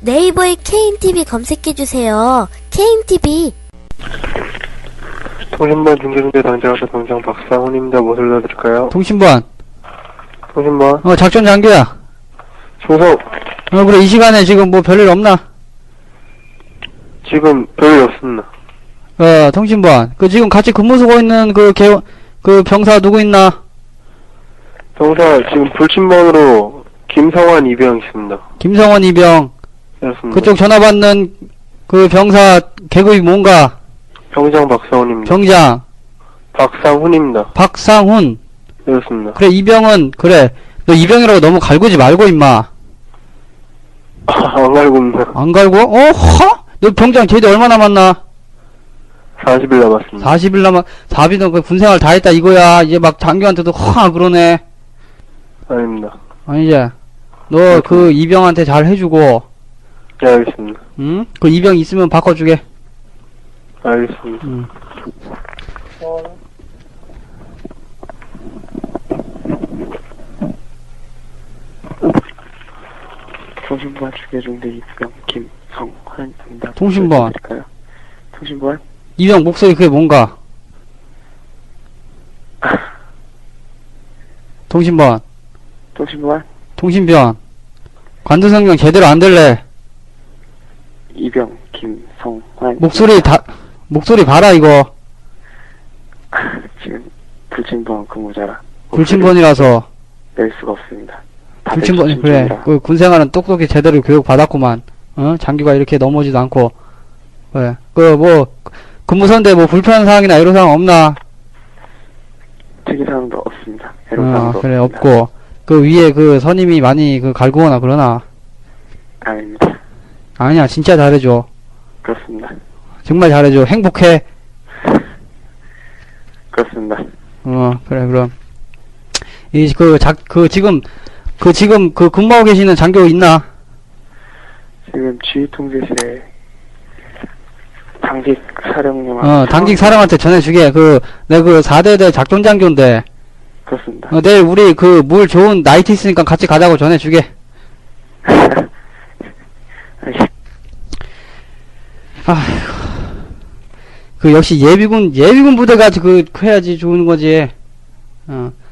네이버에 KNTV 검색해주세요. KNTV. 통신반 중계중대 당직하사 당장 박상훈입니다. 무엇을 도와드릴까요? 통신반. 통신반 작전 장교야. 충성. 그래, 이 시간에 지금 뭐 별일 없나? 지금 별일 없습니다. 통신반. 지금 같이 근무 서고 있는 그 병사 누구 있나? 병사 지금 불침번으로 김성환 이병 있습니다. 김성원 이병. 그렇습니다. 그쪽 전화 받는 그 병사 계급이 뭔가? 병장 박상훈입니다. 병장. 박상훈입니다. 박상훈. 그렇습니다. 그래, 이병은, 그래. 너 이병이라고 너무 갈구지 말고, 임마. 안 갈고 있나? 안 갈고? 허? 너 병장 제대 얼마 남았나? 40일 남았습니다. 40일 남았, 4비는 그 군생활 다 했다 이거야. 이제 막 장교한테도 그러네. 아닙니다. 아니지. 너 그 이병한테 잘 해주고, 네, 알겠습니다. 응? 그 이병 있으면 바꿔주게. 알겠습니다. 응. 통신반 중계중대 이병 김성환입니다. 통신반. 통신반? 이병 목소리 그게 뭔가? 통신반. 통신반? 통신변. 관두성명 제대로 안 들래. 이병 김성환. 목소리 봐라, 이거. 지금 불침번 근무자라 불침번이라서. 낼 수가 없습니다. 불침번이, 그래. 그 군생활은 똑똑히 제대로 교육 받았구만. 장교가 이렇게 넘어지도 않고. 그래. 근무선대 불편한 사항이나 애로사항 없나? 특이사항도 없습니다. 애로사항도 그래, 없습니다. 없고. 그 위에 그 선임이 많이 갈구거나 그러나? 아닙니다. 아니야, 진짜 잘해줘. 그렇습니다. 정말 잘해줘. 행복해. 그렇습니다. 그래, 그럼. 지금 근무하고 계시는 장교 있나? 지금 지휘통제실에 당직 사령님 당직 사령한테 전해주게. 내가 4대대 작전장교인데. 그렇습니다. 내일 우리 물 좋은 나이트 있으니까 같이 가자고 전해주게. 아이고. 역시 예비군 부대가 해야지 좋은 거지.